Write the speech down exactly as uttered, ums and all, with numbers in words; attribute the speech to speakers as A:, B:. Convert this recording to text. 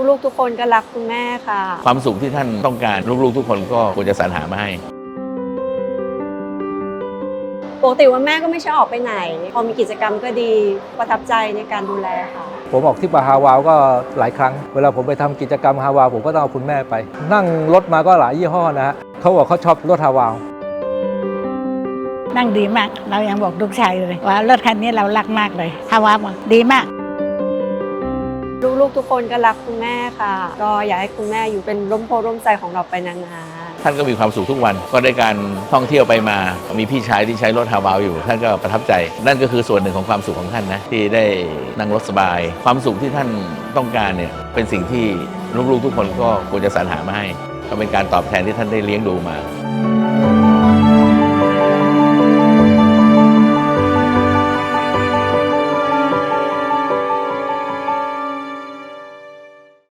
A: ลูกๆทุกคนก็รักคุณแม่ค่ะ
B: ความสุขที่ท่านต้องการลูกๆทุกคนก็ควรจะสรรหามาให้
A: ปกติวันแม่ก็ไม่ใช่ออกไปไหนพอมีกิจกรรมก็ดีประทับใจในการดูแลค่ะ
C: ผมออกที่ฮาวาวก็หลายครั้งเวลาผมไปทำกิจกรรมฮาวาวผมก็ต้องเอาคุณแม่ไปนั่งรถมาก็หลายยี่ห้อนะฮะเขาบอกเขาชอบรถฮาวาว
D: นั่งดีมากเรายังบอกลูกชายเลยว่ารถคันนี้เรารักมากเลยฮาวาวดีมาก
A: ลูกๆทุกคนก็รักคุณแม่ค่ะก็อยากให้คุณแม่อยู่เป็นร่มโพร่มใจของเราไปนานๆ
B: ท่านก็มีความสุขทุกวันก็ได้การท่องเที่ยวไปมามีพี่ชายที่ใช้รถฮาวาวอยู่ท่านก็ประทับใจนั่นก็คือส่วนหนึ่งของความสุขของท่านนะที่ได้นั่งรถสบายความสุขที่ท่านต้องการเนี่ยเป็นสิ่งที่ลูกๆทุกคนก็ควรจะสรรหามาให้ก็เป็นการตอบแทนที่ท่านได้เลี้ยงดูมา